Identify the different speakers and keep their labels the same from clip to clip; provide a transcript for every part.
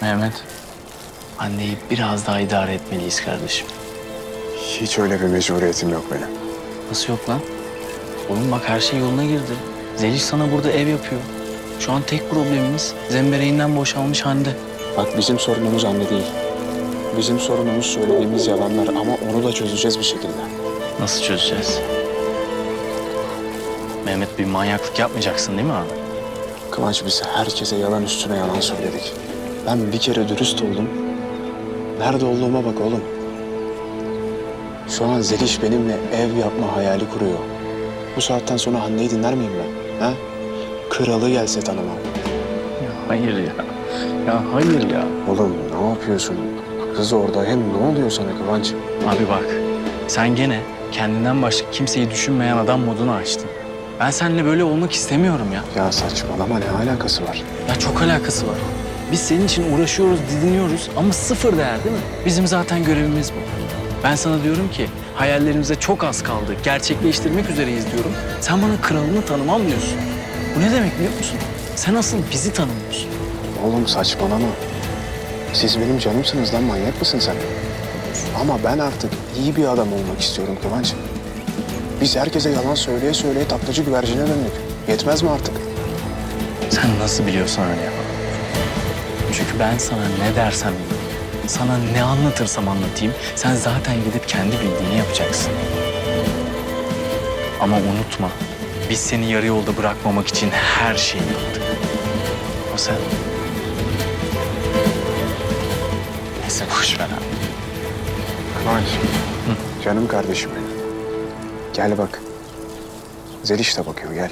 Speaker 1: Mehmet, anneyi biraz daha idare etmeliyiz kardeşim.
Speaker 2: Hiç öyle bir mecburiyetim yok benim.
Speaker 1: Nasıl yok lan? Oğlum bak her şey yoluna girdi. Zeliş sana burada ev yapıyor. Şu an tek problemimiz zembereğinden boşalmış Hande.
Speaker 2: Bak bizim sorunumuz anne değil. Bizim sorunumuz söylediğimiz yalanlar ama onu da çözeceğiz bir şekilde.
Speaker 1: Nasıl çözeceğiz? Mehmet bir manyaklık yapmayacaksın değil mi abi?
Speaker 2: Kıvanç biz herkese yalan üstüne yalan söyledik. Ben bir kere dürüst oldum. Nerede olduğuma bak oğlum. Şu an Zeliş benimle ev yapma hayali kuruyor. Bu saatten sonra Hande'yi dinler miyim ben? Ha? Kralı gelse tanımam.
Speaker 1: Ya hayır ya. Ya hayır ya.
Speaker 2: Oğlum ne yapıyorsun? Kız orada hem ne oluyor sana Kıvanç?
Speaker 1: Abi bak sen gene kendinden başka kimseyi düşünmeyen adam modunu açtın. Ben seninle böyle olmak istemiyorum ya.
Speaker 2: Ya saçmalama ne alakası var?
Speaker 1: Ya çok alakası var. Biz senin için uğraşıyoruz, didiniyoruz ama sıfır değer değil mi? Bizim zaten görevimiz bu. Ben sana diyorum ki hayallerimize çok az kaldı. Gerçekleştirmek üzereyiz diyorum. Sen bana kralını tanımam diyorsun. Bu ne demek biliyor musun? Sen asıl bizi tanımıyorsun.
Speaker 2: Oğlum saçmalama. Siz benim canımsınız lan, manyak mısın sen? Ama ben artık iyi bir adam olmak istiyorum Kıvanç. Biz herkese yalan söyleye söyleye taklacı güvercine döndük. Yetmez mi artık?
Speaker 1: Sen nasıl biliyorsan öyle yap. Çünkü ben sana ne dersem diyeyim, sana ne anlatırsam anlatayım, sen zaten gidip kendi bildiğini yapacaksın. Ama unutma, biz seni yarı yolda bırakmamak için her şeyi yaptık. O sen. Neyse boş ver abi.
Speaker 2: Kıvanç, canım kardeşim benim. Gel bak. Zeliş de bakıyor, gel.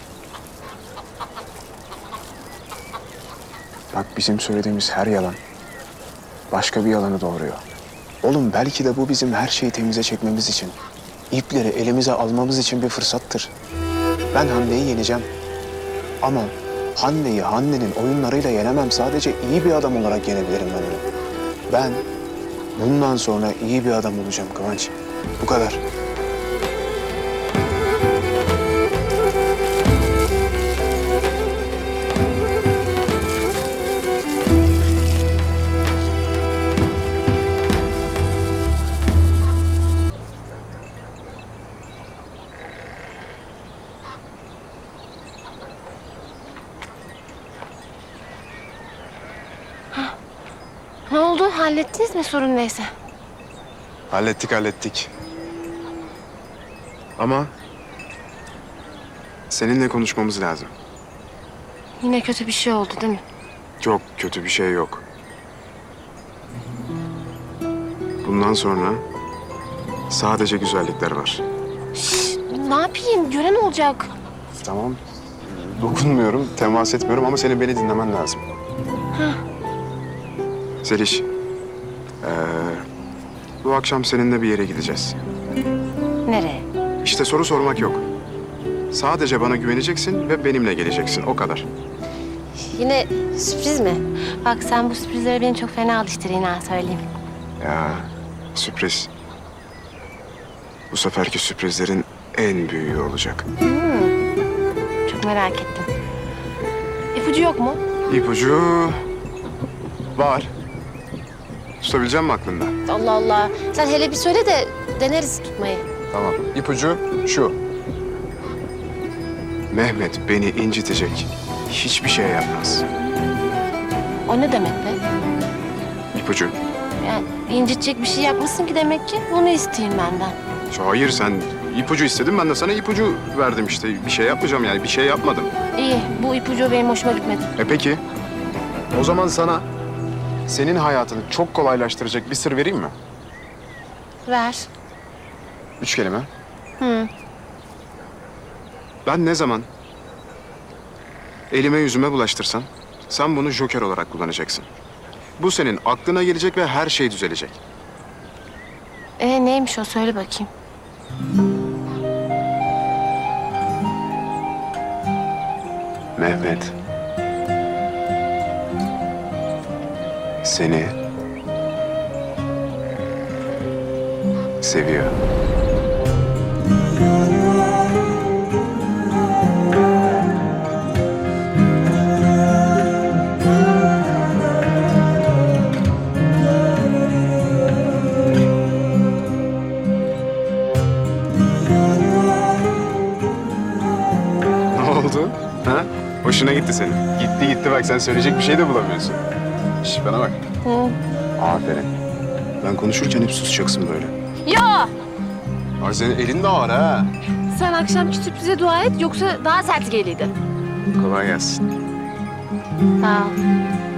Speaker 2: Bak bizim söylediğimiz her yalan başka bir yalanı doğuruyor. Oğlum belki de bu bizim her şeyi temize çekmemiz için, ipleri elimize almamız için bir fırsattır. Ben Hande'yi yeneceğim. Ama Hande'yi Hande'nin oyunlarıyla yenemem. Sadece iyi bir adam olarak yenebilirim ben onu. Ben bundan sonra iyi bir adam olacağım Kıvanç. Bu kadar.
Speaker 3: Ne oldu? Hallettiniz mi sorun neyse?
Speaker 2: Hallettik. Ama seninle konuşmamız lazım.
Speaker 3: Yine kötü bir şey oldu değil mi?
Speaker 2: Çok kötü bir şey yok. Bundan sonra sadece güzellikler var.
Speaker 3: Ne yapayım? Gören olacak.
Speaker 2: Tamam. Dokunmuyorum, temas etmiyorum ama senin beni dinlemen lazım. Zeliş, bu akşam seninle bir yere gideceğiz.
Speaker 3: Nereye?
Speaker 2: İşte soru sormak yok. Sadece bana güveneceksin ve benimle geleceksin, o kadar.
Speaker 3: Yine sürpriz mi? Bak sen bu sürprizlere beni çok fena alıştırın ha söyleyeyim.
Speaker 2: Ya, sürpriz. Bu seferki sürprizlerin en büyüğü olacak.
Speaker 3: Çok merak ettim. İpucu yok mu?
Speaker 2: İpucu var. Tutabilecek misin aklında?
Speaker 3: Allah Allah. Sen hele bir söyle de deneriz tutmayı.
Speaker 2: Tamam. İpucu şu. Mehmet beni incitecek hiçbir şey yapmaz.
Speaker 3: O ne demek be?
Speaker 2: İpucu.
Speaker 3: Yani incitecek bir şey yapmışsın ki demek ki bunu isteyeyim benden.
Speaker 2: Hayır sen ipucu istedin, ben de sana ipucu verdim işte. Bir şey yapmayacağım yani, bir şey yapmadım.
Speaker 3: İyi, bu ipucu benim hoşuma gitmedi.
Speaker 2: Peki. O zaman sana senin hayatını çok kolaylaştıracak bir sır vereyim mi?
Speaker 3: Ver.
Speaker 2: 3 kelime.
Speaker 3: Hı.
Speaker 2: Ben ne zaman elime yüzüme bulaştırsam sen bunu joker olarak kullanacaksın. Bu senin aklına gelecek ve her şey düzelecek.
Speaker 3: Neymiş o? Söyle bakayım.
Speaker 2: Mehmet. Seni seviyor. oldu? Ha? Hoşuna gitti senin. Gitti bak sen söyleyecek bir şey de bulamıyorsun. Şş, bana bak.
Speaker 3: Hı.
Speaker 2: Aferin. Ben konuşurken hep susacaksın böyle.
Speaker 3: Ya!
Speaker 2: Ay senin elin de var ha.
Speaker 3: Sen akşamki sürprize dua et yoksa daha sert geliydi.
Speaker 2: Kolay gelsin.
Speaker 3: Sağ ol.